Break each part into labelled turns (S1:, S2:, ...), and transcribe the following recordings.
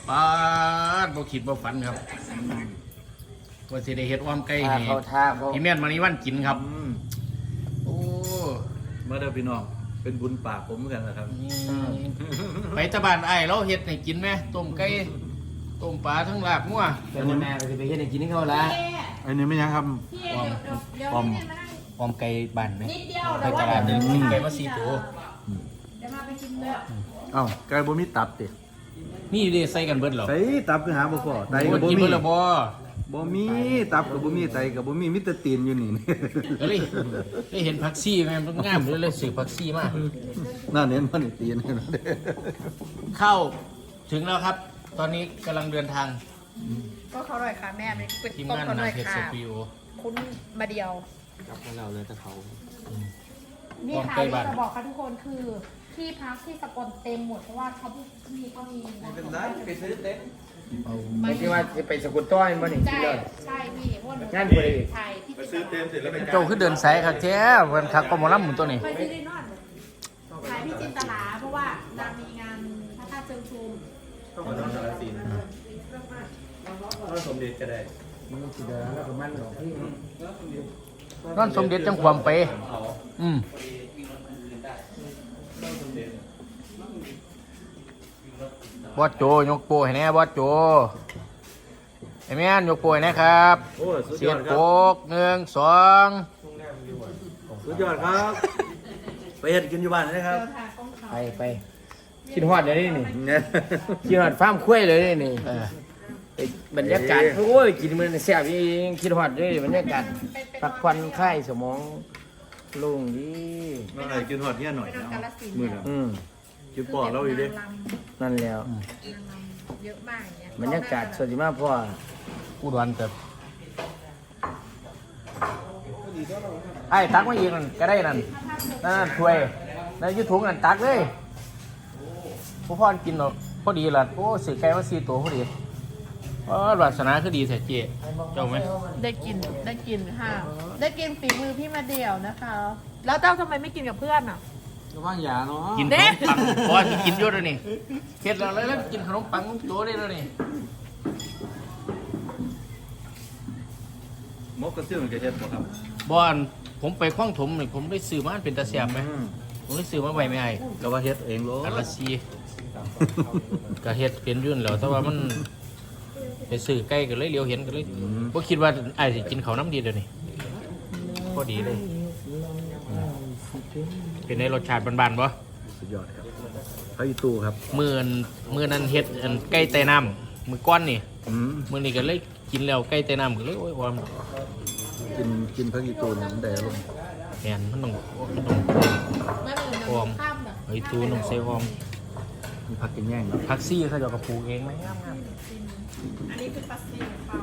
S1: ปาดบ่คิดบ่ฝันครับว่าสิได้เฮ็ดอ้อมไก่ให้พี่แม่นมานี่วันกินครับโอ้
S2: เมื่อเด้อพี่น้องเป็นบุญปากผมเหมือนกันนะครับ
S1: ไปตะบ้านไอ้เราเฮ็ดให้กินไหมต้มไก่ต้มปลาทั้งลาบงัว
S3: แต่แม่ก็จะไปเฮ็ดให้กินให้เขาละ
S2: อันนี้ไม่ยังครับ
S1: อ้อมไก่บ้านไหมไปตลาดไก่มา4 ตัว
S4: เดี๋ยวมาไปกินเลย
S2: อ้าวไก่บ่มีตับติ
S1: นี่ดิใส่กันเบิดเหรอ
S2: ใส่ตับคือหาบ่พอไตก็บ่มีบ่มีตับก็บ่มีไตก็บ่มีมิตรตีนอยู่นี่
S1: เลยได้เห็นผักซี่แม่มันงามเลยซื้อผักซี่มา
S2: น่าเน้นมันตีน
S1: เข้าถึงแล้วครับตอนนี้กำลังเดินทาง
S4: ก็เขาอร่อยค่ะแม่เป็น
S1: ทีม
S4: ต้ม
S1: งาน
S4: เขาอร่อย
S1: เพชร
S4: ค่ะ
S1: สตูดิโอ
S4: คุณมาเดียว
S3: กับเราเลยแต่เขา
S4: นี่ค่ะที่จะบอกค่ะทุกคนคือที่พักที่สกลเต็มหมดเพราะว่าเขามี
S3: เป็นไรไปซื้อเต็มไม่ใช่ว่าไปสกุลต้อยมันนี่ที่เลย
S4: ใช่พี่
S3: งานบริ
S4: ใช่ที่
S2: ไปซื้อเต็มเสร็จแล้วไป
S1: โจขึ้นเดินสายครับแท้วันคักก็มาล่ำหมุนตัวนี้
S4: ไปที่ได้นอนขายพี่จินตลาเพราะว่านางมีงานพระธาตุเชิงชุม
S2: ต้องมาทำสารสีสมเด็จจะได้
S3: มันสิเดินแล้วก็มันหรอกที่
S1: นอนสมเด็จจังความไปบอสโจยกโปให้แน่บอสโจไอ้แม่นยกโปให้แน่ครับเสียดโปก1 2
S2: สุดยอดครับไปเฮ็ดกินอยู่บ้านนะครับ
S3: ไปกินฮอดเลยนี่กินฮอดฟาร์มคุ้ยเลยนี่บรรยากาศโอ้ยกินมันแซ่บจริงคิดฮอดเลยบรรยากาศพักผ่อนคลายสมองโล่งดี
S2: น้องไอ้กินฮอดเฮียหน่อยมื้อน่ะกินปอดเราอีกดิ
S3: นั่นแล้ว
S4: เยอะมากอย่างเงี้ย
S3: บรรยากาศสวยมากพ่อ
S1: อุดรแต่ไอ้ตักมาอีกนั่นก็ได้นั่นถ้วยนั่นยืดถุงนั่นตักเลยพ่อพ่อกินหรอกพอดีละโอ้สื่อไก่มา4 ตัวพอดีวาสนาคือดีแท้เจ๊เจ้าไหม
S4: ได้กินค่ะได้กินฝีมือพี่มาเดี่ยวนะคะแล้วเจ้าทำไมไม่กินกับเพื่อนอ่ะ
S3: ระวังยาเนาะ
S1: กินขนมปังเพราะกินเยอะเลยนี่เข็ดแล้วกินขนมปังโตได้แล้วนี่
S2: มกกระเตื้องกระเทียมครับ
S1: บอนผมไปคล้องถมนี่ผมได้ซื้อมาเป็นตาเสียบไหมผมได้ซื้อมาใบไม่ไอ้
S2: ก็ว่าเฮ็ดเองโล
S1: กะละซีกะเฮ็ดเป็นยุ่นแล้วแต่ว่ามันไปซื้อใกล้กันเลยเลี้ยวเห็นกันเลยเพราะคิดว่าไอ้สิกินเขาน้ำดีเดี๋ยวนี้พอดีเลยเป็นในรสชาติบานๆปะ
S2: สุดยอดครับพระอิตูครับ
S1: มือนั้นเฮ็ดไก่ไต่น้ำมือก้อนนี่มือนี้ก็เลยกินแล้วไก่ไต่น้ำก็เลยโอ้ยความ
S2: กินพระอิตูเนี่ยมันได้ลง
S1: แหนมันต้องหอมไอ้ตูต้องใส่หอม
S2: มีผักกินแย่ง
S1: ผักซี่เขาจะกระปูเองไหมงาม
S4: อันนี้คือผักซี่ค่ะ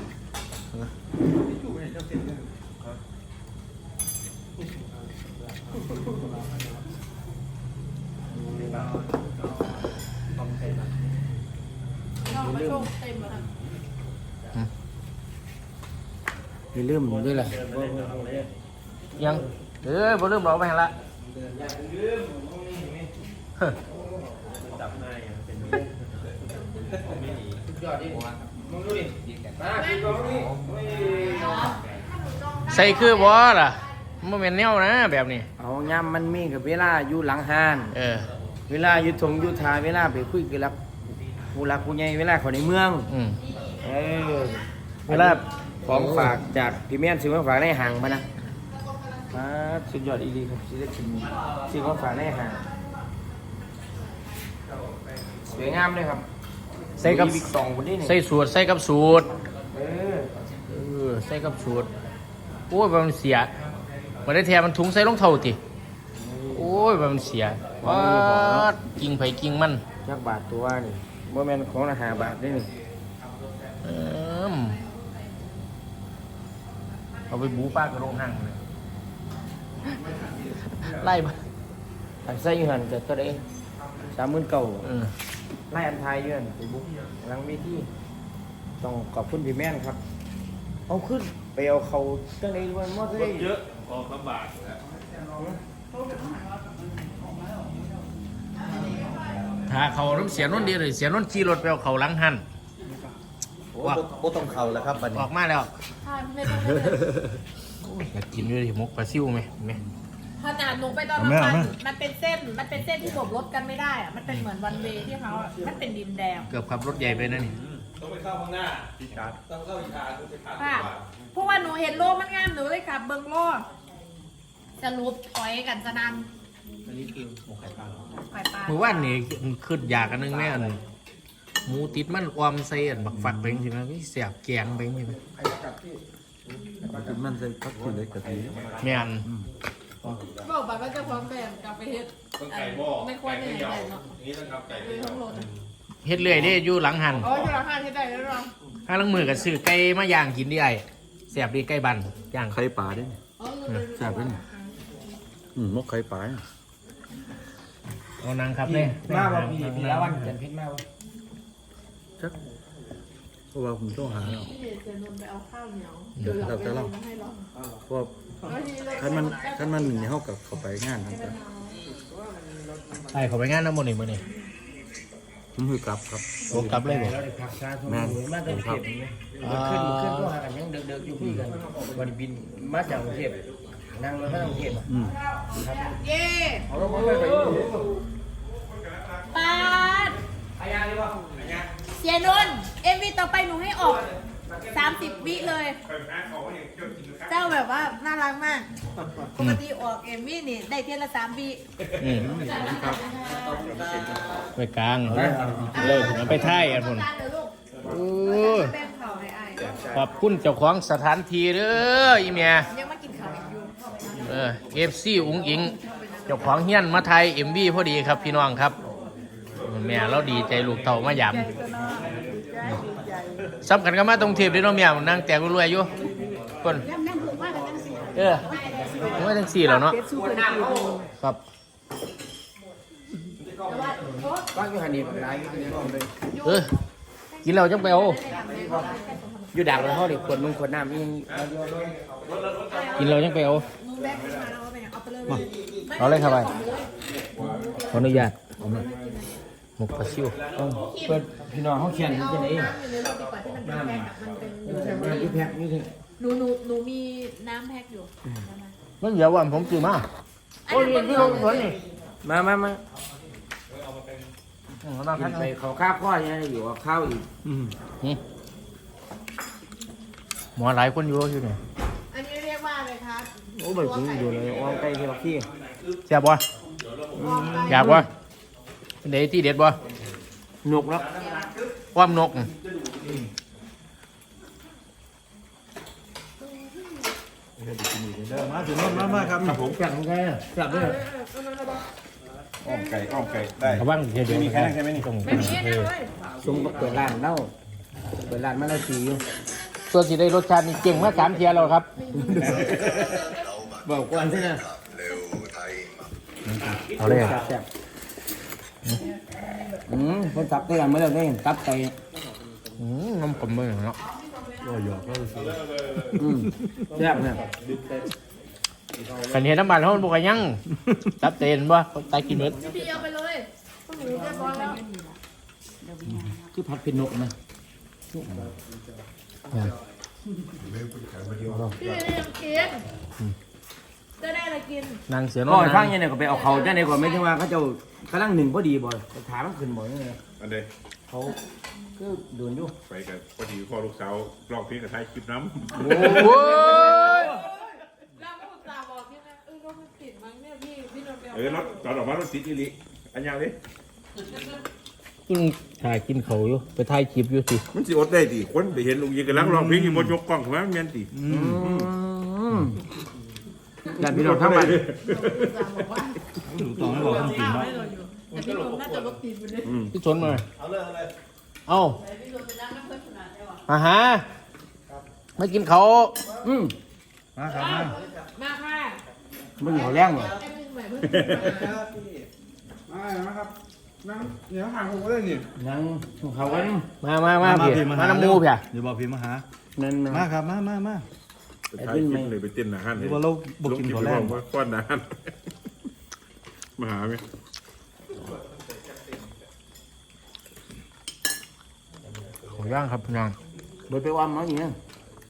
S3: อย่าลืมด้วยแหละ
S1: ยังบ่ลืมเราไปละใส่คือบ่ล่ะมันเป็นแนวนะแบบนี้
S3: เอาย่ำมันมีกับเวลาอยู่หลังห้านเวลาอยู่ทงอยู่ทาเวลาไปคุยกับผู้รักผู้ใหญ่เวลาเขาในเมืองเวลาของฝากจากพี่แม่นซื้อของฝากในห่างมานะสุดยอดอีดีครับซื้อได้กินซื้อของฝากในห่างสวยงามเลยครับ
S1: ใส่กับ
S3: 2คนนี้
S1: ใส่สูตรใส่กับสูตรใส่กับสูตรโอ้ยมันเสียมันได้แทนมันถุงใส่รองเท้าติโอ้ยมันเสียว้ากิ่งไผ่กิ่งมัน
S3: จักบาทตัวนี่โมเมนต์ของ5 บาทได้นี่
S1: เอาไปบูป้ากระโรงหั่งเลยไล่มา
S3: อันใส่หันเกิดก็ได้39,000ไล่อันไทยยืนไปบุ๊กหลังมีที่ต้องขอบคุณพี่แม่นครับเอาขึ้นไปเอาเขาตั้งในวันมอดได้
S2: เยอะออกลำบาก
S1: หาเขาน้ำเสียนนท์ดีเลยเสียนนท์ขี่รถไปเอาเขาหลังหัน
S2: โอ้บ่ต้องเข้าแล้วครับบัด
S1: อ
S2: นี้
S1: อกมาแล้ว
S4: ใช่ไม่ต้องเลย
S1: โอ้ยอยากกินด้วยดิมกปลาซิวไหมไหม
S4: ขนาดหนูไปตอนนั้นมันเป็นเส้นที่โบกรถกันไม่ได้อะมันเป็นเหมือนวันเวย์ที่เขาอะมันเป็นดินแดง
S1: เกือบขับรถใหญ่ไปนั่นนี่
S4: ค่ะเพราะว่าหนูเห็นโลกมันงามหนูเลยขับเบิ้งโลกจะรูปถอยกันจะนันอันนี้คือหมูไข่ปลาไข่ปลา
S1: เมื่อวานนี่ขึ้นอยากกันนึงแม่อันหมูติดมันออมใส่อันบักฝักไปจริงๆนะเสียบแกงไปจริง
S2: มันใส่ผักชีเล็กกะทิ
S1: ๆแม่น
S4: บอกไปว่าจะพร้อมแบ่งกลับไปเฮ็ดไม่ควรไม่ไหนเนาะเลยทั้งรถ
S1: เฮ็ดเรื่อยเด้อยู่หลังหัน
S4: อ๋ออยู่ราคาที่ใดแล้วเนาะ
S1: ข้างหลังมือกับซื้อไก่มาย่างกินดิไอ้เสียบดีไก่บันย่าง
S2: ไข่ปลาเด้
S4: อ๋อ
S2: แซ่บเด้มกไข่ปลา
S1: เอานางครับเนี่ย
S3: มาบ่พี่ละวันจันทร์พิษมาบ่
S2: จักเพราะว่าผมต้องหาแล้ว
S4: พี่เดชจะนนไปเอาข้าวเหนียว
S2: เดี๋ยวเราจะเล่า
S4: ให้เรา
S2: เพราะว่าคันมันนี่เฮากับเข้าไปงานนั่น
S1: ไอ้เขาไปงานน้ำมันต์นี่มื้อนี่
S2: ผมคือกลับครับ
S1: โอ้กลับเลยบ่
S3: เราได้พักชาทุกมื้อมาตั้งเทพขึ้นก็หากันยังเด็กๆอยู่คุยกันวันบินมาจากกรุงเทพนั่งรถมาจากกรุงเทพ
S4: เย้
S3: เอารถมาไป
S4: ปาดเสียนนท์เอ็มวีต่อไปหนูให้ออก30 วิเลย เจ้าแบบว่าน่ารักมาก ปกติออกเอ็มวีนี่ได้เทียละ3 วิ
S1: ไปกลางเลยเอาไปท่ายอันพุ่น
S4: การเดี๋ยวลูก
S1: โอ้ย
S4: แบ่งข่าวให้อาย
S1: ขอบคุณเจ้าของสถานที่เด้ออีเมีย
S4: ยังมากินข้าวอีกอยู่
S1: FC อุ๋งอิงเจ้าของเฮียนมาไทย MV พอดีครับพี่น้องครับแม่เราดีใจลูกเต่ามายามสำคัญก็มาตรงเทปเด้อเนาะแม่นั่งแตกรวยๆอยู่คนว่าจังสี่แล้วเนาะครับ
S3: บ้านอยู่หันนี่หลายอยู่
S1: กินแล้วจังไปเอา
S3: อยู่ดักแล้วเฮาได้ขวดมึงขวดน้ำอีหยัง
S1: กินแล้วจังไปเอา
S4: มึงแบ่งให้มาแล้วว่าเป็นไงเอาไปเลย
S1: เอาเลยครับไปขออนุญาตหมกปลาซิว
S3: เปิดพี่น้องเฮาเขียนอยู่จังได๋
S4: น้ำอยู่ในรถดีกว่าที่มันเป็นแพ็คอะมันเป็น
S3: อยู่แพ็คอยู่ที่
S4: หนูมีน้ำแพ็คอยู่
S1: มันเดี๋ยววันผมซื้อมาโอ้ยพี่ลงสวนนี่
S3: มา
S1: เรานั่ง
S3: กิ
S1: ทั
S3: น
S1: ก
S3: ไปเขาข้าวข้อยังอยู่กับข้าวอีก
S1: หมอหลายคนอยู่เนี่ย
S4: อันนี้เรียกว่าอะไรครับ
S3: โอ้แบบนี้อยู่เลยอ้อมไก่ที่บักที่
S1: แซ่บบ่อยากบ่เด็ดที่เด็ดบ่
S3: นกแล้ว
S1: ความนก
S2: มาถึงมาครับครับผม
S3: จับมันไงจับด้วย
S2: อ้อมไก่ได้
S1: ระวังเดี๋ยว
S2: มีแค่นั้นใช่ไหมนี่
S1: ต้อง
S4: ไม่มีนะเลย
S3: สมกับเปิดร้านเล่าเปิดร้านมาแล้วสีอยู่
S1: ตัวสีได้รสชาตินี่เก่งมาก3 เทียแล้วครับ
S3: บอกก่อนใช่ไหม
S1: เอาเลย
S3: แซ่บคนจับได้กันเมื่อไหร่จับไป
S1: น้ำผมมือเนาะ
S3: แซ่บเนี่ย
S1: ขันเห็นน้ำมันเขาบอกว่ายังจับเต็นบ่ตายกินเบิด
S4: พี่เอาไปเลยพวกหนูเรียบร้อยแล้ว
S3: คือผัดเป็นนกนะ
S4: พี่ไม่ได้ยังกินจะได้อะไรกิน
S1: นางเสือ
S3: ก็
S1: น้อย
S3: ฟังยังไงก็ไปเอาเขาจ้าในก่อนไม่ใช่ว่าเขาจะกำลังหนึ่งพอดีบ่ถามมันขึ้นบ่ยังไง
S5: อันเดย
S3: เขาก็โดนอยู่
S5: ไปกับพอดีพ่อลูกสาวลองเพลงกับไทยคลิปน้
S1: โอ้ย
S4: แล้วก็ตาบอกพี่นะรถมันติดมั้งเนี่ยพี่นนท์ไป
S5: ำ
S4: เอา
S5: รถตอนออกมารถติดอีหลิอันยังเลย
S1: กินถ่ายกินเขาอยู่ไปถ่ายคลิปอยู่สิ
S5: มันสิอดได้ดิคนไปเห็นลุงยิงกันลังร้องเพลงอยู่บนยกกล้องของมันแม่นติ
S3: ญาติพี่น้องทั้งบ้าน
S4: บอกว่า
S2: ต่อให้บอกจริงๆ
S4: ให้เราอยู่แต่พี่นนท์น่าจะรถติดไปเลย
S1: พี่ชนมาเอาอาหาไม่กินเขา
S2: มาครับมา
S4: มาค่ะ
S3: มึงเขาแรงเหรอ
S4: ไอ้มึงใหม่เพิ่ง
S2: มาครับนั่งเดี๋ยวหาผมก็ได้นี่
S3: นั่งเขากัน
S1: มาเพี่มาน้ำมูเพี่ย
S2: เดี๋ยวบอกพี่มาหา
S3: นั่น
S2: มาครับมา
S5: ไปถ่ายคลิปเลยไปเต้นอาหาร
S2: หรือว่าเราบอกกินข้าวแรง
S5: ว่าก้อนอาหารมาหาไหม
S1: ย่างครับพี่น้อง
S3: เบิดไปว่ามาอย่างเงี้ย